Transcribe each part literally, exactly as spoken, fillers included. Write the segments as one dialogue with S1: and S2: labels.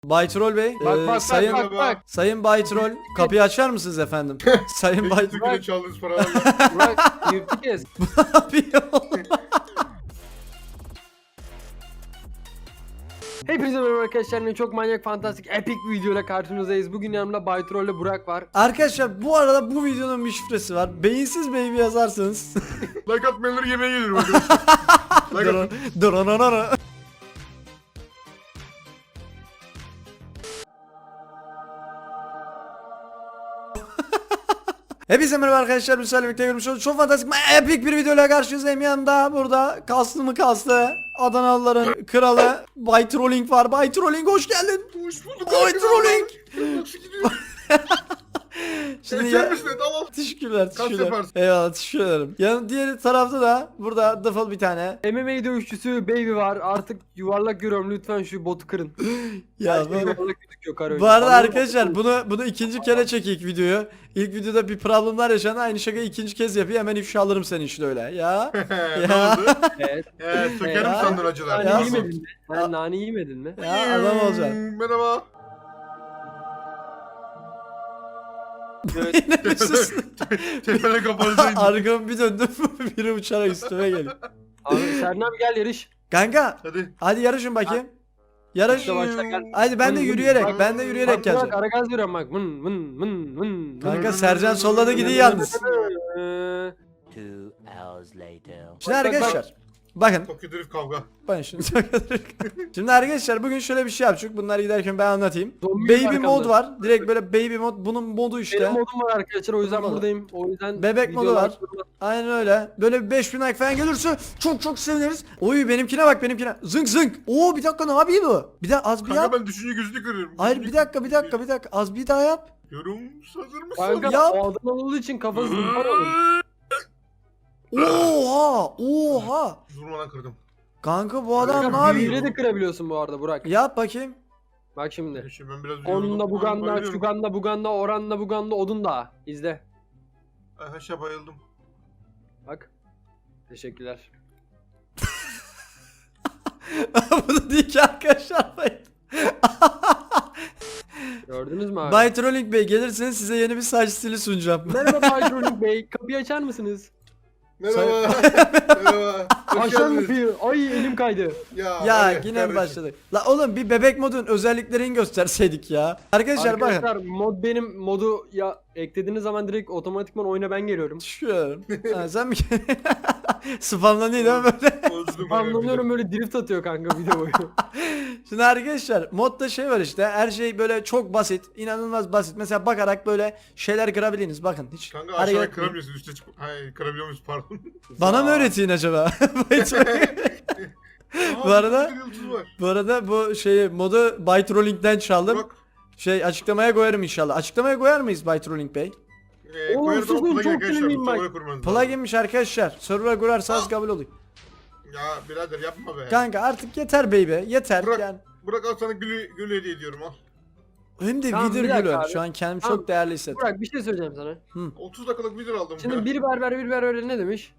S1: Bay Troll Bey,
S2: Bak
S1: e,
S2: bak
S1: sayın
S2: bak bak bak.
S1: Sayın Bay Troll, kapıyı açar mısınız efendim? Sayın Bay
S3: Peki Türkiye'de çaldığınız paralarla.
S2: Burak yırtık kes.
S1: yapıyor?
S2: Hepinize merhaba arkadaşlar. Yine çok manyak, fantastik, epik bir videoyla karşınızdayız. Bugün yanımda Bay Troll ile Burak var.
S1: Arkadaşlar bu arada bu videonun bir şifresi var. Beyinsiz baby yazarsanız.
S3: Like atmayanları yemeğe gelirim arkadaşlar. Like at.
S1: Dırınınını. Hepinize merhaba arkadaşlar. Müsaade birlikte görmüş olduk. Çok fantastik, epik bir videoyla karşınızdayım. Yanında burada kaslı mı kaslı Adanalıların kralı Bay Trolling var. Bay Trolling hoş geldin.
S3: Hoş bulduk.
S1: Bay Trolling.
S3: Nasıl gidiyor?
S1: Şimdi
S3: Geçer
S1: ya...
S3: misin? Tamam.
S1: Teşekkürler,
S3: Kaç
S1: teşekkürler.
S3: yaparsın?
S1: Eyvallah, teşekkür ederim. Yani diğer tarafta da burada dıfıl bir tane.
S2: M M A dövüşçüsü Baby var. Artık yuvarlak görüyorum, lütfen şu botu kırın.
S1: Ya
S2: Her şey
S1: bu,
S2: yuvarlak gözüküyor kar
S1: bu arada
S2: önce.
S1: arkadaşlar bunu bunu ikinci kere çekeyim videoyu. İlk videoda bir problemler yaşandı. Aynı şakayı ikinci kez yapıyor. Hemen ifşa alırım seni işte öyle. Ya.
S3: Ne oldu?
S2: Evet.
S3: Ee, sökerim
S1: Ya.
S3: sandın acılar.
S2: Nane
S1: Ya.
S2: yemedin mi? Sen nane yemedin mi?
S1: Ya adam olacak.
S3: Merhaba.
S2: Evet.
S1: Yine bir sus.
S3: Tepene kapanıcıydı.
S1: Arkamı bir döndüm. Biri uçarak üstüme geliyor.
S2: Abi Serna abi gel yarış.
S1: Kanka
S3: Hadi.
S1: hadi yarışın bakayım. Yarış.
S2: İşte başla, gel.
S1: Hadi ben de
S2: Vın, vın.
S1: yürüyerek,
S2: Bak,
S1: ben de yürüyerek
S2: Bak
S1: geleceğim.
S2: Burak ara gaz veriyorum bak. Vın vın vın vın.
S1: Kanka Sercan solladı gidiyor yalnız.
S2: Ee,
S4: Two hours later.
S1: Şimdi
S2: Bak, bak,
S1: arkadaşlar bakın.
S3: Tokyo Drift kavga.
S1: Ben şimdi Şimdi arkadaşlar bugün şöyle bir şey yapacak. Bunları giderken ben anlatayım.
S2: Zombi
S1: Baby
S2: var
S1: mod
S2: arkamda.
S1: var. Direkt böyle baby mod. Bunun modu işte.
S2: Benim modum var arkadaşlar, o yüzden
S1: Modu.
S2: buradayım. O yüzden
S1: Bebek modu
S2: videolar-
S1: var. Aynen öyle. Böyle bir beş bin like falan gelirse çok çok seviniriz. Oy benimkine bak benimkine. Zınk zınk. Oo bir dakika ne yapıyor bu? Bir daha az bir
S3: Kanka
S1: yap.
S3: ben düşünce gözünü kırıyorum.
S1: Hayır bir dakika bir dakika bir dakika. Az bir daha yap.
S3: Yorum hazır mısın?
S2: Kanka
S1: Yap.
S2: o Adanalı olduğu için kafası zımpar olur.
S1: Oha! Oha!
S3: Durmadan kırdım.
S1: Kanka bu adam ne
S2: Kanka
S1: yapıyor?
S2: büyüyle de kırabiliyorsun bu arada Burak.
S1: Yap bakayım.
S2: Bak şimdi.
S3: Şimdi ben biraz
S2: Onunla
S3: yoruldum.
S2: buganda,
S3: Bayılıyorum.
S2: şuganda, buganda, oranla buganda, odun da. İzle.
S3: Ay haşa bayıldım.
S2: Bak. Teşekkürler.
S1: Bu da değil ki arkadaşlar.
S2: Gördünüz mü abi?
S1: Bay Trolling Bey gelirseniz size yeni bir saç stili sunacağım.
S2: Merhaba Bay Trolling Bey. Kapıyı açar mısınız?
S3: Merhaba. Merhaba. Hoş
S2: Aşağı
S3: geldiniz.
S2: kapıyı. Ay elim kaydı.
S3: Ya,
S1: Ya
S3: hadi
S1: yine mi
S3: kardeşim.
S1: başladık? La oğlum bir bebek modun özelliklerini gösterseydik ya. Arkadaşlar,
S2: Arkadaşlar
S1: bakın.
S2: mod benim modu ya eklediğiniz zaman direkt otomatikman oyuna ben geliyorum.
S1: Şuyorum. Ha, sen mi? Spamlanıyor değil mi böyle?
S3: Bozdum
S2: Anlamıyorum, böyle drift atıyor kanka video boyu.
S1: Şimdi arkadaşlar modda şey var işte, her şey böyle çok basit, inanılmaz basit. Mesela bakarak böyle şeyler kırabilirsiniz, bakın hiç
S3: Kanka
S1: hareket
S3: aşağıya
S1: etmeyin.
S3: kıramıyorsun, üstte çık. Hayır, kırabiliyor muyuz, pardon.
S1: Bana mı öğretin acaba? Bu arada-
S3: bir yıldız var.
S1: Bu arada bu şeyi modu Bay Trolling'den çaldım.
S3: Bak.
S1: Şey açıklamaya koyarım inşallah. Açıklamaya koyar mıyız Bay Trolling Bey?
S3: Eee
S2: Oğlum,
S3: koyarız ama
S2: susun,
S3: plugin
S2: çok
S3: arkadaşlar.
S2: sinirliyim
S3: Bu
S2: bak.
S3: server'a kurmanız lazım.
S1: Pluginmiş arkadaşlar. Server'a kurarsanız kabul oluyor.
S3: Ya birader yapma be.
S1: Kanka artık yeter baby. Yeter
S3: Bırak.
S1: yani.
S3: Bırak al sana gülü, gülü hediye ediyorum al.
S1: Hem de
S2: Tamam,
S1: Wither
S2: bir dakika
S1: Gül'ü.
S2: abi.
S1: Şu an kendimi
S2: Tamam.
S1: çok değerli hissettim.
S2: Burak bir şey söyleyeceğim sana.
S3: otuz dakikalık video aldım.
S2: Şimdi
S3: ya.
S2: bir berber bir berber ne demiş?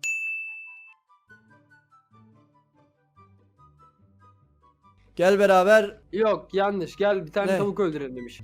S1: Gel beraber.
S2: Yok yanlış, gel bir tane
S1: Ne?
S2: tavuk öldürelim demiş.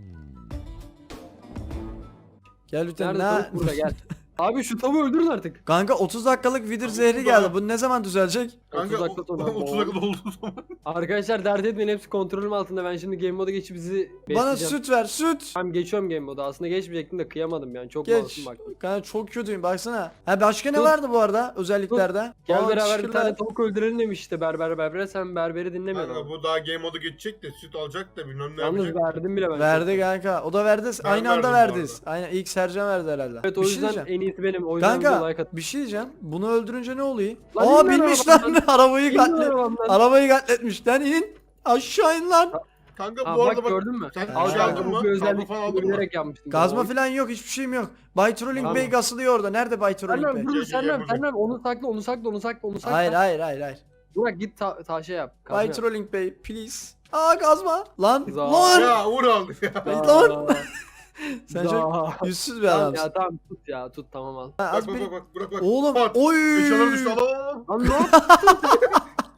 S1: Gel lütfen.
S2: Nerede
S1: Ne?
S2: tavuk? Burada gel. Abi şu tavuğu öldürün artık.
S1: Kanka otuz dakikalık Wither
S3: Tamam,
S1: zehri
S3: bu
S1: geldi.
S3: da-
S1: Bu ne zaman düzelecek?
S3: Kanka
S2: otuz dakika sonra.
S3: otuz dakika oldu o zaman.
S2: Arkadaşlar dert etmeyin, hepsi kontrolüm altında. Ben şimdi game moda geçip bizi
S1: Bana
S2: besleyeceğim.
S1: süt ver, süt.
S2: Tamam geçiyorum game moda. Aslında geçmeyecektim de kıyamadım yani. Çok
S1: Geç.
S2: masum bak.
S1: Kanka çok kötüyüm baksana. Ha başka ne
S2: Tut.
S1: vardı bu arada özelliklerde?
S2: Gel
S1: Aa,
S2: beraber bir
S1: teşekkürler.
S2: tane tavuk öldürelim demiş işte berber berbere. Sen berberi
S3: Kanka
S2: dinlemiyorsun.
S3: bu daha game modu geçecek de süt alacak da bilmem ne
S2: Yalnız
S3: yapacak.
S2: verdim bile ben.
S1: Verdi kanka. O da verdi.
S3: Ben
S1: Aynı anda
S3: verdim bu
S1: verdiniz. Aynen ilk Sercan verdi herhalde.
S2: Evet o
S1: Bir şey
S2: yüzden
S1: diyeceğim.
S2: en iyisi benim. O yüzden
S1: Kanka
S2: video like at.
S1: bir şey diyeceğim. Bunu öldürünce ne oluyor?
S2: Lan
S1: Aa
S2: in lan
S1: bilmiş lan.
S2: arabadan.
S1: Arabayı
S2: İn lan
S1: katlet.
S2: arabamdan.
S1: Arabayı katletmiş lan, in. Aşağı in lan.
S3: Kanka
S2: Aa,
S3: bu
S2: bak
S3: arada bak.
S2: gördün mü?
S3: Sen
S2: Al
S3: şey
S2: kanka
S3: aldın
S2: bu
S3: mı?
S2: bir
S3: Kablo
S2: özellik
S3: falan aldın mı?
S2: bilerek yapmıştım.
S1: Gazma
S2: Oy.
S1: falan yok, hiçbir şeyim yok. Bay Trolling
S2: Tamam.
S1: Bey gasılıyor orada. Nerede Bay Trolling
S2: Sernem
S1: Bey?
S2: dur
S3: Gel,
S2: Sernem
S3: gel,
S2: Sernem onu sakla onu sakla onu sakla onu sakla.
S1: Hayır hayır hayır hayır.
S2: Burak git ta taşa yap. kazma
S1: Bay
S2: yap.
S1: Trolling Bey please. Aa gazma. Lan
S2: Za-
S1: lan.
S3: Ya Uğur aldı ya.
S1: Lan.
S2: Za-
S1: Sen
S2: za-
S1: çok yüzsüz bir
S2: Tamam
S1: adamsın.
S2: ya tamam tut ya tut tamam al.
S1: Ha,
S3: Bak
S1: az
S3: bak
S1: bir...
S3: bak bak bırak bak.
S1: Oğlum
S3: Pat.
S1: oy.
S3: Eşyaları düştü al al al.
S2: Lan ne yaptın?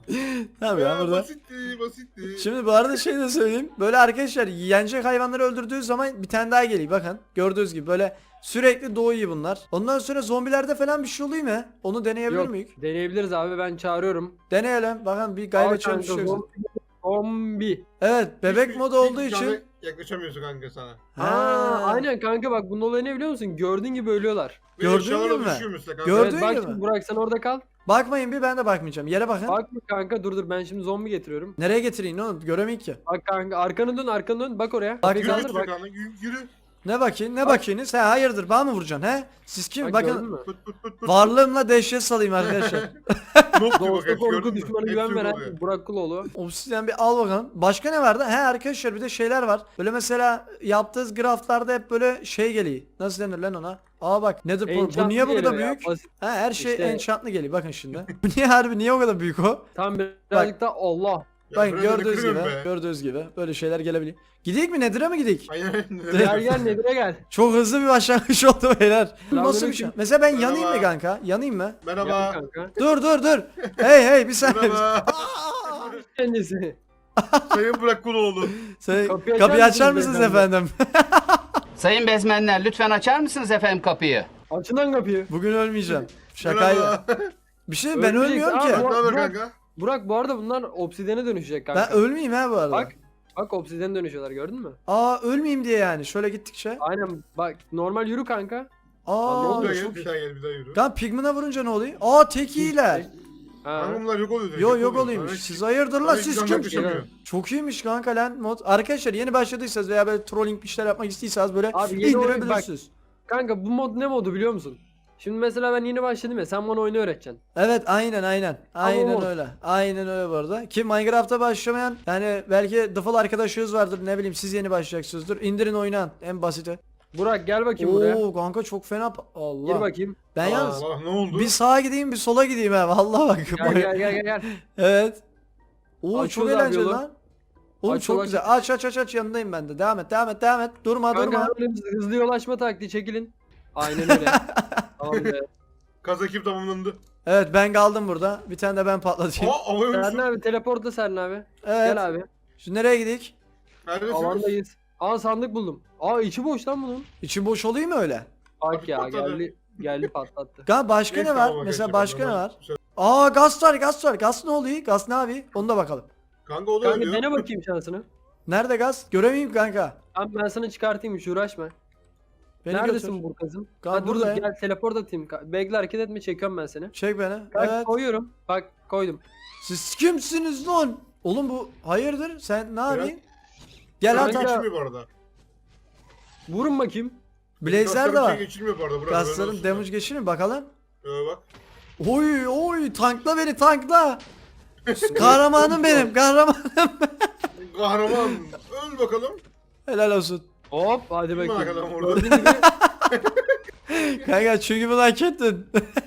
S1: Tabii ya
S3: Ya,
S1: burada.
S3: basitti basitti.
S1: Şimdi bu arada şey de söyleyeyim. Böyle arkadaşlar yenecek hayvanları öldürdüğü zaman bir tane daha geliyor. Bakın gördüğünüz gibi böyle sürekli doğuyor bunlar. Ondan sonra zombilerde falan bir şey oluyor mu? Onu deneyebilir
S2: Yok
S1: miyiz?
S2: deneyebiliriz abi ben çağırıyorum.
S1: Deneyelim. Bakın bir gayret
S2: Al kanka,
S1: çalışıyor.
S2: zombi. Zombi.
S1: Evet bebek
S3: Hiçbir-
S1: modu olduğu
S3: hiçbir
S1: için.
S3: tane yaklaşamıyorsun kanka sana.
S2: Aa,
S1: Ha.
S2: aynen kanka bak bunun olayı ne biliyor musun? Gördüğün gibi ölüyorlar.
S3: Ve
S1: Gördün
S3: eşyalara
S1: mü?
S3: düşüyor mesela kanka.
S1: Gördün
S2: Evet bak
S1: gibi
S2: şimdi
S1: mi?
S2: Burak sen orada kal.
S1: Bakmayın bir ben de bakmayacağım. Yere bakın.
S2: Bak mı kanka dur dur ben şimdi zombi getiriyorum.
S1: Nereye getireyim oğlum? Göremeyik ki.
S2: Bak kanka arkanı dön arkanı dön bak oraya.
S1: Bak,
S2: Bak,
S3: Yürü
S2: kaldır,
S3: lütfen
S2: bak.
S3: kanka yürü. yürü.
S1: Ne bakayım? Ne
S2: Bak.
S1: bakayım? Sen hayırdır? Bana mı vuracaksın he? Siz kim?
S2: Bak, gördün
S1: Bakın
S2: mü?
S3: Pıt pıt pıt pıt.
S1: varlığımla dehşet salayım arkadaşlar.
S3: Nok diyor bak
S2: Doğusta
S3: hepsi
S2: korku
S3: gördün mü?
S2: düşmanı
S3: Hepsi
S2: güven
S3: yok
S2: veren
S3: oluyor.
S2: Burak Kuloğlu.
S1: Obsidian bir al bakalım. Başka ne vardı? He arkadaşlar bir de şeyler var. Böyle mesela yaptığınız graftlarda hep böyle şey geliyor. Nasıl denir lan ona? Aa bak nedir bu? Bu
S2: Enchantlı
S1: niye bu kadar
S2: geliyor ya,
S1: büyük?
S2: basit.
S1: He her şey
S2: İşte-
S1: enchantlı geliyor. Bakın şimdi. Bu niye harbi niye o kadar büyük o?
S2: Tam birazcık da Allah.
S3: Ya
S1: Bakın
S3: biraz da
S1: gördüğünüz gibi,
S3: kırıyorum be.
S1: gördüğünüz gibi böyle şeyler gelebiliyor. Gidik mi Nedir'e mi gidik?
S3: Aynen.
S2: Gel gel Nedir'e gel.
S1: Çok hızlı bir başlangıç oldu beyler. Nasıl bir şey?
S2: Selamünaleyküm.
S1: Mesela ben yanayım mı
S3: Merhaba.
S1: kanka? Yanayım mı?
S2: Gel
S3: Merhaba.
S2: kanka.
S1: Dur dur dur. Hey hey bir saniye.
S3: Merhaba.
S2: Kendisi.
S3: Sayın Burak Kuloğlu.
S1: Sen,
S2: Kapıyı
S1: kapıyı,
S2: açar
S1: açar
S2: mısınız
S1: mısınız efendim?
S5: Sayın bezmenler lütfen açar mısınız efendim kapıyı?
S2: Açın lan kapıyı.
S1: Bugün ölmeyeceğim. Şakayla.
S3: Merhaba.
S1: Bir şey ben
S2: Ölmeyeceksin.
S1: ölmüyorum
S2: Aa,
S1: ki.
S3: Ne
S2: bu-
S3: haber
S2: Burak-
S3: kanka?
S2: Burak bu arada bunlar obsidiyene dönüşecek kanka.
S1: Ben ölmeyeyim ha bu arada.
S2: Bak. Bak obsidiyene dönüşüyorlar gördün mü?
S1: Aa ölmeyeyim diye yani. Şöyle gittikçe.
S2: Aynen bak normal yürü kanka. Aa, ne
S1: Aa.
S2: oldu?
S3: Bir daha
S2: çok
S3: gel, bir daha gel, bir daha yürü.
S1: Kan pigmana vurunca ne oluyor? Aa tek iyiler.
S2: Ha.
S3: Kanka bunlar yok oluyor.
S1: Yo yok oluyormuş. Siz hayırdır lan siz kim?
S2: yaklaşamıyor.
S1: Çok iyiymiş kanka lan mod. Arkadaşlar yeni başladıysanız veya böyle trolling bir şeyler yapmak istiyorsanız böyle
S2: Abi yeni oyun-
S1: indirebilirsiniz.
S2: Kanka bu mod ne modu biliyor musun? Şimdi mesela ben yeni başladım ya sen bana oyunu öğreteceksin.
S1: Evet aynen aynen. Aynen
S2: mod.
S1: öyle. Aynen öyle bu arada. Ki Minecraft'a başlamayan yani belki dıfıl arkadaşınız vardır ne bileyim siz yeni başlayacaksınızdır. İndirin oynayın en basiti.
S2: Burak gel bakayım buraya.
S1: Oo kanka çok fena. pa- Allah.
S2: Gir bakayım.
S1: Ben yalnız
S3: Allah ne oldu?
S1: bir sağa gideyim bir sola gideyim ha. Vallahi bak.
S2: Gel gel gel gel. gel.
S1: Evet. Oo
S2: Açıyoruz
S1: çok
S2: abi
S1: eğlenceli
S2: yolu.
S1: lan. Oğlum
S2: Aç
S1: çok
S2: yolu,
S1: güzel. Aç aç aç aç yanındayım ben de. Devam et devam et devam et. Durma durma.
S2: Kanka hemen hızlı yol açma taktiği çekilin. Aynen öyle. Tamam be.
S3: Kaz ekip tamamlandı.
S1: Evet ben kaldım burada. Bir tane de ben patlatayım.
S3: Aa havaya
S2: Serhan
S3: uçtu.
S2: abi teleportta Serhan abi.
S1: Evet.
S2: Gel abi.
S1: Şimdi nereye gidik?
S3: Neredesiniz?
S2: Alandayız. Aa sandık buldum. Aa içi boş lan bunun.
S1: İçin boş olayım mı öyle?
S2: Bak
S3: Abi
S2: ya
S3: patladı.
S2: geldi geldi patlattı.
S1: Ga başka
S3: Neyse,
S1: ne var?
S3: tamam,
S1: Mesela
S3: geçelim.
S1: başka ne
S3: Tamam.
S1: var? Aa gaz var gaz var. Gaz ne oluyor? Gaz ne abi? Onu da bakalım.
S3: Kanka o da
S2: Kanka
S3: ölüyor.
S2: dene bakayım şansını.
S1: Nerede gaz? Göremeyeyim kanka.
S2: Tamam ben sana çıkartayım hiç uğraşma.
S1: Beni
S2: Neredesin
S1: götür.
S2: Burkaz'ım?
S1: Kanka
S2: Ha dur dur
S1: buradayım.
S2: gel teleport atayım. Ka- Bekle hareket etme çekiyorum ben seni.
S1: Çek beni.
S2: Bak
S1: Evet.
S2: koyuyorum. Bak koydum.
S1: Siz kimsiniz lan? Oğlum bu hayırdır? Sen ne yapıyorsun? Gel
S3: Gel
S1: at.
S2: Kanka-
S3: geçilmiyor bu arada.
S2: Vurun bakayım.
S1: Blazer de
S3: Kasların
S1: var.
S3: şey geçilmiyor bu arada. Burak,
S1: Gazların
S3: haberin olsun.
S1: damage geçirir mi bakalım?
S3: Ee, bak.
S1: Oy oy tankla beni tankla. Kahramanım benim kahraman.
S3: Kahraman. Öl bakalım.
S1: Helal olsun.
S2: Hop hadi
S3: Kim
S2: bakayım.
S3: arkadan vurdu?
S2: Gördüğün gibi
S1: Kanka çünkü bunu hak ettin.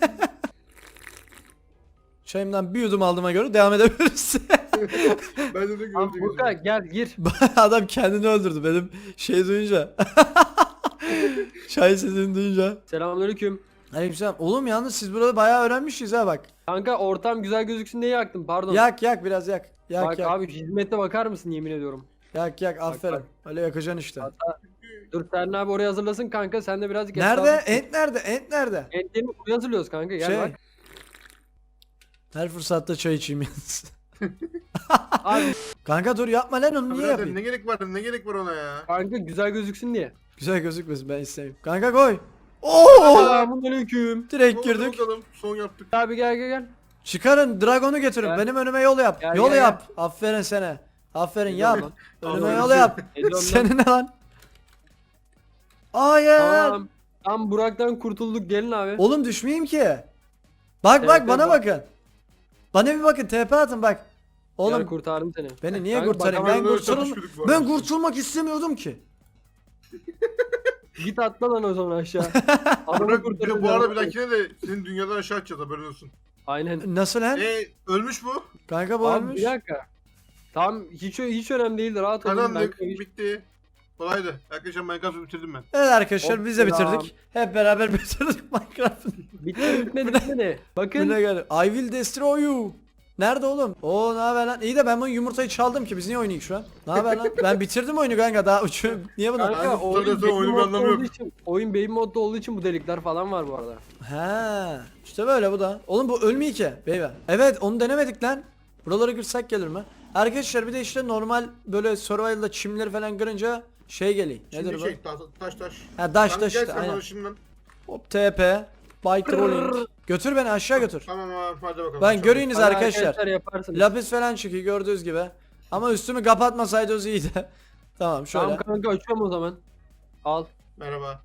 S1: Çayımdan bir yudum aldığıma göre devam edebiliriz.
S3: Ben de de
S2: Tamam
S3: gördüm.
S2: Burkay gel gir.
S1: Adam kendini öldürdü benim şey duyunca. Çay sesini duyunca.
S2: Selamünaleyküm.
S1: Aleykümselam. Oğlum yalnız siz burada bayağı öğrenmişiz ha bak.
S2: Kanka ortam güzel gözüksün diye yaktım pardon.
S1: Yak yak biraz yak. Yak
S2: Bak
S1: yak.
S2: abi hizmete bakar mısın yemin ediyorum.
S1: Yak yak aferin.
S2: bak.
S1: Öyle yakacaksın işte.
S2: Hatta dur Serhan abi oraya hazırlasın kanka sen de birazcık
S1: Nerede?
S2: etrafı-
S1: Ent nerede? Ent nerede?
S2: Entlerini buraya hazırlıyoruz kanka gel
S1: Şey.
S2: bak.
S1: Her fırsatta çay içeyim yalnız.
S2: Abi
S1: Kanka dur yapma lan onu niye
S3: Birader,
S1: yapayım?
S3: ne gerek var ne gerek var ona ya?
S2: kanka güzel gözüksün diye.
S1: Güzel gözükmesin ben istemiyorum. Kanka koy. Oo!
S2: Selamünaleyküm.
S1: Direkt
S3: Oldu
S1: girdik.
S3: bakalım. Son yaptık.
S2: Abi gel gel gel.
S1: Çıkarın dragonu getirin.
S2: Gel.
S1: Benim önüme yol yap.
S2: Gel,
S1: yol
S2: gel,
S1: yap. Aferin sana. Aferin yap.
S2: Ediyorum
S1: Önüme
S3: Allah'ım.
S1: yol yap.
S2: Ediyorum lan.
S1: Senin ne lan? Hayır.
S2: Tamam. Tam Burak'tan kurtulduk gelin abi.
S1: Oğlum düşmeyeyim ki. Bak
S2: T
S1: bak
S2: P
S1: bana
S2: bak.
S1: bakın. Bana bir bakın T P atın bak.
S2: Gel
S1: Oğlum
S2: kurtardım seni.
S1: beni niye
S2: Kanka,
S1: kurtarayım?
S2: bak,
S1: Ben
S3: Böyle
S1: kurtulum
S3: çatışıyorduk bu
S1: ben
S3: arada.
S1: kurtulmak istemiyordum ki.
S2: Git atla lan o zaman aşağı. Adamı
S3: Burak,
S2: kurtaracağız
S3: bu arada
S2: abi.
S3: bir dahakine de senin dünyadan aşağı atacağız haberin olsun.
S2: Aynen.
S1: Nasıl lan?
S3: Eee ölmüş bu.
S1: Kanka bu
S2: Abi
S1: ölmüş.
S2: bir dakika. Tamam hiç hiç önemli değil rahat olun. Ben
S3: Kazandık.
S2: koyayım.
S3: Bitti. Kolaydı. Arkadaşlar Minecraft'ı bitirdim ben.
S1: Evet arkadaşlar
S2: Hop,
S1: biz de
S2: selam.
S1: bitirdik. Hep beraber bitirdik Minecraft'ı.
S2: Bitmedi bitmedi bitmedi. Bakın
S1: Buna gel. I will destroy you. Nerede oğlum? Oo ne haber lan? İyi de ben bu yumurtayı çaldım ki biz niye oynayık şu an? Ne haber lan? Ben bitirdim oyunu kanka daha uçuyorum. Niye bunu?
S2: Kanka
S3: Kanka,
S2: oyun
S3: zaten
S2: baby
S3: oyunun bir
S2: modda
S3: anlamı
S2: olduğu
S3: yok.
S2: için, oyun baby modda olduğu için bu delikler falan var bu arada.
S1: He, işte böyle bu da. Oğlum bu ölmüyor ki beyler. Evet onu denemedik lan. Buralara girsek gelir mi? Arkadaşlar bir de işte normal böyle survival'da çimleri falan kırınca şey geliyor. Nedir
S3: Şimdi
S1: bu?
S3: şey taş taş. taş.
S1: Ha taş
S3: Kanka
S1: taş
S3: gel
S1: işte
S3: sen
S1: aynen.
S3: bana şimdiden.
S1: Hop T P. By trolling. Götür beni aşağı götür.
S3: Tamam abi hadi bakalım.
S1: Ben
S3: Çok
S1: göreyiniz
S2: Hadi
S1: arkadaşlar.
S2: yaparsınız.
S1: Lapis falan çıkıyor gördüğünüz gibi. Ama üstümü kapatmasaydınız iyiydi. Tamam şöyle.
S2: Tamam kanka açıyorum o zaman. Al.
S3: iyi. Merhaba.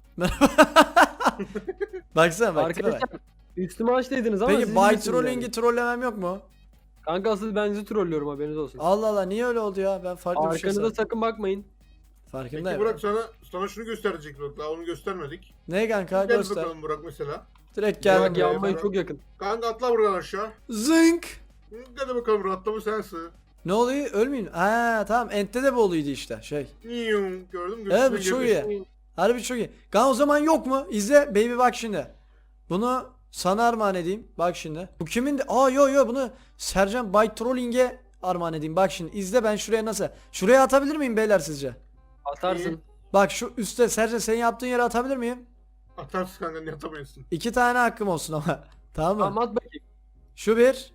S1: Baksana bak. tipe bak.
S2: Arkadaşlar üstüme aç dediniz ama
S1: Peki
S2: siz
S1: by
S2: bilirsiniz
S1: trolling'i
S2: yani.
S1: trollemem yok mu?
S2: Kanka asıl ben sizi trollüyorum haberiniz olsun.
S1: Allah Allah niye öyle oldu ya? Ben farklı bir şey
S2: Arkanıza
S1: sandım.
S2: sakın bakmayın.
S3: Peki
S1: Farkındayım.
S3: Burak sana sana şunu gösterecek bak. Daha onu göstermedik.
S1: Ne kanka
S3: Gel
S1: göster.
S3: bakalım Burak mesela.
S1: Direkt
S2: Gel
S1: geldim.
S2: bak
S3: buraya,
S2: yanmayı
S3: bana.
S2: çok yakın.
S3: Kanka atla buradan aşağı.
S1: Zınk.
S3: Hı, Hadi bakalım Burak atla bu sensin.
S1: Ne oluyor? Ölmeyin. Ha tamam. Ent'te de bu oluydu işte şey.
S3: Niyum gördün mü?
S1: Evet bu
S3: Gökyüzüne
S1: çok
S3: girmiş.
S1: iyi. Harbi çok iyi. Kan o zaman yok mu? İzle baby bak şimdi. Bunu sana armağan edeyim. Bak şimdi. Bu kimin de? Aa yo yo bunu Sercan By Trolling'e armağan edeyim. Bak şimdi izle ben şuraya nasıl? Şuraya atabilir miyim beyler sizce?
S2: Atarsın.
S1: Bak şu üstte Sercan senin yaptığın yere atabilir miyim?
S3: Atarsın kanka niye atamıyorsun?
S1: İki tane hakkım olsun ama. Tamam mı?
S2: Tamam at bakayım.
S1: Şu bir.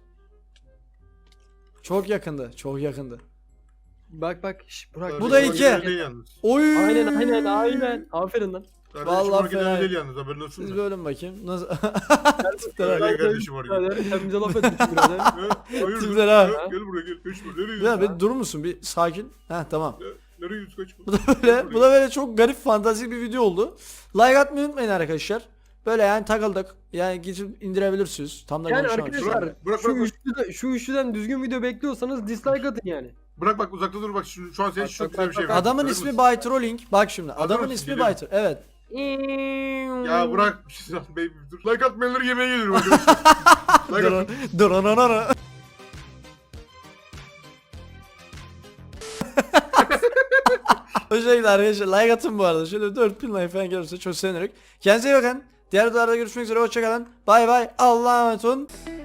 S1: Çok yakındı. Çok yakındı.
S2: Bak bak. Şş, Burak.
S1: Bu da
S3: Kardeşim,
S1: iki.
S3: original değil yalnız.
S1: Oy.
S2: Aynen aynen aynen. Aferin lan.
S3: Kardeşim
S1: Vallahi
S3: original
S1: fena.
S3: değil yalnız haberin olsun
S1: Siz
S3: da.
S1: bir ölün bakayım. Nasıl?
S3: Öyle kardeşim original.
S2: Birader, sen bize laf etmişsin birader.
S3: Ha, Hayır
S1: Tipler
S3: dur.
S1: ha.
S3: Ha, Gel buraya gel. Kaçma. Nereye
S1: Ya
S3: gidiyorsun?
S1: bir durur musun? Bir sakin. Heh tamam.
S3: Ha, Nereye gidiyorsun kaçma.
S1: Bu da böyle, bu da böyle çok garip fantastik bir video oldu. Like atmayı unutmayın arkadaşlar. Böyle yani takıldık. Yani gidip indirebilirsiniz. Tam da
S2: Yani
S1: konuşamadım.
S2: arkadaşlar
S3: Bırak, bırak,
S2: şu,
S3: bırak.
S2: üçlüde, şu üçlüden düzgün video bekliyorsanız dislike atın yani.
S3: Bırak bak uzakta dur bak şu, şu an senin
S2: Bak,
S3: çok
S2: bak,
S3: güzel bir
S2: bak,
S3: şey
S2: bak.
S3: var.
S1: Adamın
S3: Görüyor
S1: ismi
S3: musun?
S1: By Trolling. Bak şimdi.
S3: Adamın
S1: Adamın
S3: ismi
S1: ismi
S3: geliyor.
S1: By Trolling. Evet.
S3: Ya bırak bir şey baby dur. Like atmayanları yemeğe gelirim arkadaşlar. Like atın.
S1: Drononoro. O şekilde arkadaşlar like atın bu arada. Şöyle dört bin like falan gelirse çok sevinirim. Kendinize iyi bakın. Diğer videolarda görüşmek üzere. Hoşçakalın. Bay bay. Allah'a emanet olun.